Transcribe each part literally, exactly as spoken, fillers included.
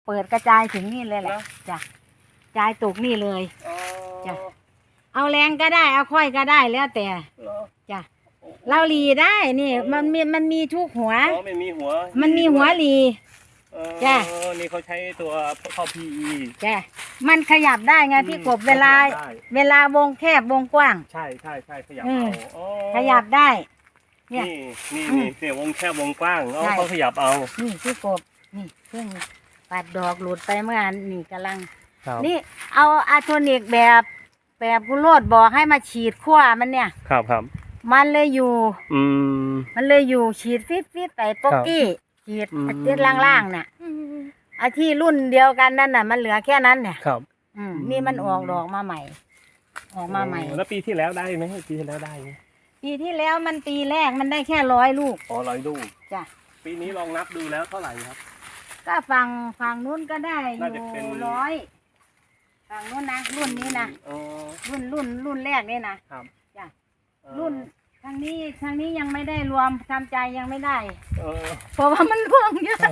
เปิดกระจายถึงนี่เลยแหละจ้ะกระจายตกนี่เลยจ้ะเอาแรงก็ได้เอาค่อยก็ได้แล้วแต่จ้ะเราหลีได้นี่มันมีมันมีทุกหัวอ๋อไม่มีหัวมันมีหัวหลีจ้ะนี่เขาใช้ตัวเข้า พี อีจ้ะมันขยับได้ไงพี่กบเวลาเวลาวงแคบวงกว้างใช่ใช่ใช่ขยับเอาขยับได้นี่นี่นี่เนี่ยวงแคบวงกว้างเอาเขาขยับเอานี่พี่กบนี่เพิ่งปัดดอกหลุดไปเมื่อนี่กำลังนี่เอาอะโทนิกแบบแบบกุโรดบอกให้มาฉีดขั้วมันเนี่ยครับครับมันเลยอยู่อืมมันเลยอยู่ฉีดฟิตฟิตไปป๊อกกี้ฉีดติดล่างๆน่ะอาที่รุ่นเดียวกันนั่นน่ะมันเหลือแค่นั้นเนี่ยครับอืมนี่มันออกดอกมาใหม่ออกมาใหม่แล้วปีที่แล้วได้ไหมปีที่แล้วได้ไหมปีที่แล้วมันปีแรกมันได้แค่ร้อยลูกอ๋อร้อยลูกจ้ะปีนี้ลองนับดูแล้วเท่าไหร่ครับก็ฝั่งฝั่งนู้นก็ได้อยู่ร้อยฝั่งนู้นนะรุ่นนี้นะรุ่นรุ่นรุ่นแรกนี่นะครับจ้ะรุ่นทางนี้ทางนี้ยังไม่ได้รวมทำใจยังไม่ได้เพราะว่ามันร่วงเยอะ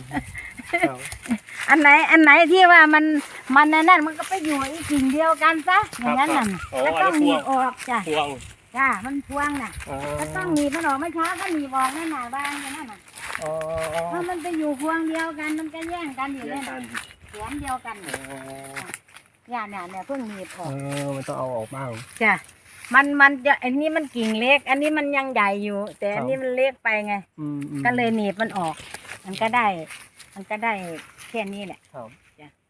อันไหนอันไหนที่ว่ามันมันนั่นมันก็ไปอยู่อีกกิ่งเดียวกันซะอย่างนั้นน่ะก็ต้องหนีออกจ้ะจ้ะมันพวงน่ะก็ต้องหนีมันออกไม่ช้าก็หนีออกนั่นน่ะบ้างอย่างนั้นน่ะเพราะมันไปอยู่พวงเดียวกันมันก็แย่งกันอยู่เนี่ยสวนเดียวกันเนี่ยเนี่ยเนี่ยเพิ่งหนีออกเออมันต้องเอาออกบ้างจ้ะมันมันจะอันนี้มันกิ่งเล็กอันนี้มันยังใหญ่อยู่ แต่อันนี้มันเล็กไปไงก็เลยหนีบมันออกมันก็ได้มันก็ได้แค่นี้แหละจ้ะ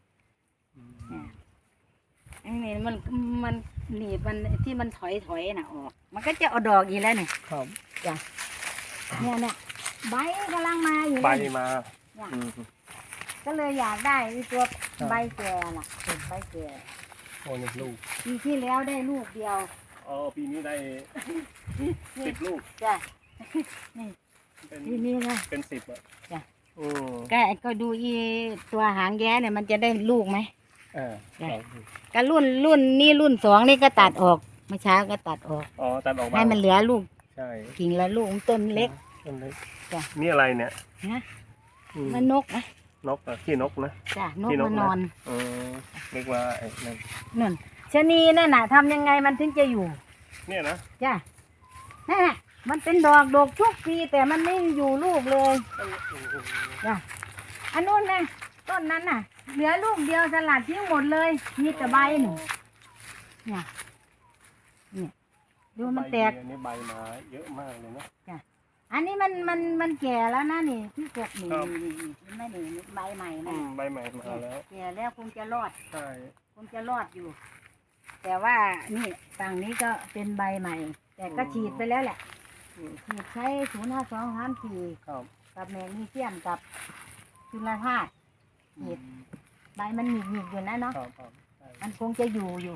อันนี้มันมันหนีบมันที่มันถอยถอยน่ะออกมันก็จะเอาดอกอีกแล้วเนี่ยจ้ะเนี่ยเนี่ยใบกำลังมาอยู่ใบมาก็เลยอยากได้ตัวใบแก่น่ะเป็นใบแก่โอ้ยลูกปีที่แล้วได้ลูกเดียวอ๋อปีนี้ได้สิบลูกจ้ะนี่ปีนี้นะเป็นสิบอ่ะจ้ะก็ก็ดูอีตัวหางแย้เนี่ยมันจะได้ลูกไหมเออก็รุ่นรุ่นนี่รุ่นสองนี่ก็ตัดออกเมื่อเช้าก็ตัดออกอ๋อตัดออกให้มันเหลือลูกใช่กิ่งละลูกต้นเล็กต้นเล็กจ้ะนี่อะไรเนี่ยนะมันนกนะนกอ่ะขี้นกนะจ้ะนกมานอนเออเรียกว่าไอ้นั่นนั่นชะนีนั่นน่ะทำยังไงมันถึงจะอยู่เนี่ยนะจ้ะนั่นน่ะมันเป็นดอกดอกทุกปีแต่มันไม่อยู่ลูกเลยจ้ะอันนู้นนะต้นนั้นน่ะเหลือลูกเดียวสลัดทิ้งหมดเลยมีแต่ใบหนูเนี่ยเนี่ยดูมันแตกอันนี้ใบมาเยอะมากเลยนะจ้ะอันนี้มันมันมันแก่แล้วนะนี่ที่กบนี่ไม่หนีใบใหม่นะใบใหม่มาแล้วแก่แล้วคงจะรอดใช่คงจะรอดอยู่แต่ว่านี่ฝั่งนี้ก็เป็นใบใหม่แต่ก็ฉีดไปแล้วแหละฉีดใช้ศูนย์ห้าสองห้ามสี่กับแมกนีเซียมกับจุลธาตุฉีดใบมันหนีบหนีบอยู่นะเนาะมันคงจะอยู่อยู่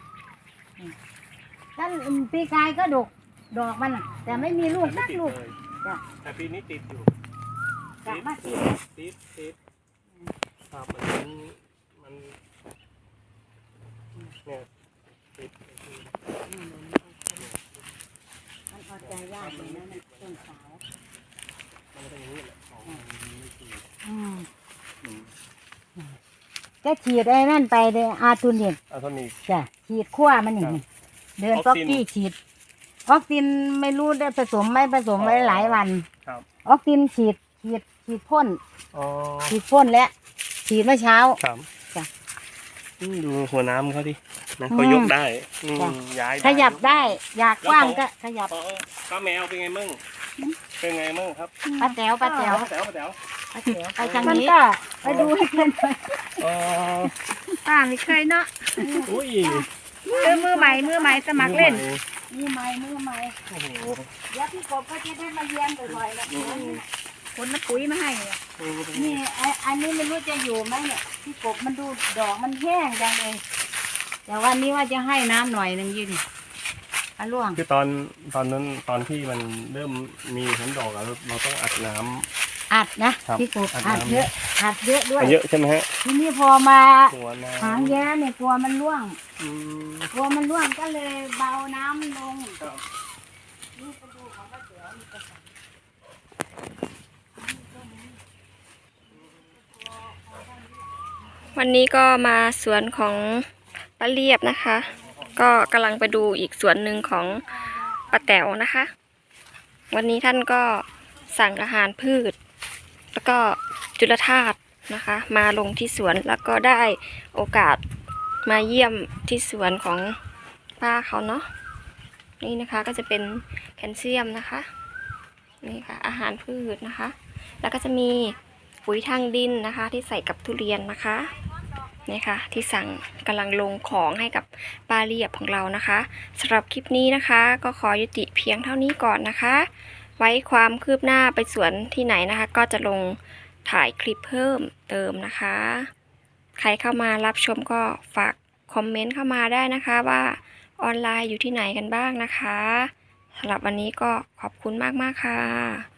ถ้าปีกายก็ดกดอกมันแต่ไม่มีลูกสักลูกแต่ปีนี้ติดอยู่ติดมาติดติดติดครับมันมันเนี่ยติดมันพอใจยากเลยนะต้นสาวมันเป็นอย่างนี้แหละอืมจะฉีดไอ้นั่นไปเลยอาร์ตูนิกอาร์ตูนิกจ้ะฉีดขั้วมันอย่างนี้เดินป๊อกกี้ฉีดออกซินไม่รู้ได้ผสมไม่ผสมไว้หลายวันออกซินฉีดฉีดฉีดพ่นฉีดพ่นแล้วฉีดเมื่อเช้าจ้ะดูหัวน้ำเขาดินะเขายกได้ย้ายขยับได้อยากกว้างก็ขยับป้าแมวเป็นไงมั่งเป็นไงมั่งครับป้าแต๋วป้าแต๋วป้าแต๋วป้าแต๋วป้าแต๋วไปทางนี้ไปดูให้เพื่อนไปป้าไม่เคยเนาะมือมือใหม่มือใหม่สมัครเล่นมือใหม่มือใหม่เดี๋ยวพี่กบก็จะได้มาเยี่ยมบ่อยๆแล้วคนมาปุ๋ยมาให้นี่อันนี้ไม่รู้จะอยู่ไหมเนี่ยพี่กบมันดูดอกมันแห้งจังเลยแต่วันนี้ว่าจะให้น้ำหน่อยหนึ่งยืนอะล่วงคือตอนตอนนั้นตอนที่มันเริ่มมีผลดอกเราเราต้องอัดน้ำอัดนะพี่กบอัดเยอะอัดเยอะด้วยเยอะใช่ไหมฮะทีนี้พอมาหางแย้เนี่ยกลัวมันร่วงกลัวมันร่วงก็เลยเบาน้ำลงนี่ไปดูของป้าเจ๋อนี่ก็วันนี้ก็มาสวนของป้าเรียบนะคะ ก็กำลังไปดูอีกสวนหนึ่งของป้าแต๋วนะคะ วันนี้ท่านก็สั่งอาหารพืช แล้วก็จุลธาตุนะคะ มาลงที่สวนแล้วก็ได้โอกาสมาเยี่ยมที่สวนของป้าเขาเนาะนี่นะคะก็จะเป็นแคลเซียมนะคะนี่ค่ะอาหารพืชนะคะ แล้วก็จะมีปุ๋ยทางดินนะคะที่ใส่กับทุเรียนนะคะนี่ค่ะที่สั่งกำลังลงของให้กับป้าเรียบของเรานะคะสำหรับคลิปนี้นะคะก็ขอยุติเพียงเท่านี้ก่อนนะคะ ไว้ความคืบหน้าไปสวนที่ไหนนะคะ ก็จะลงถ่ายคลิปเพิ่มเติมนะคะ ใครเข้ามารับชมก็ฝากคอมเมนต์เข้ามาได้นะคะว่าออนไลน์อยู่ที่ไหนกันบ้างนะคะสำหรับวันนี้ก็ขอบคุณมากๆค่ะ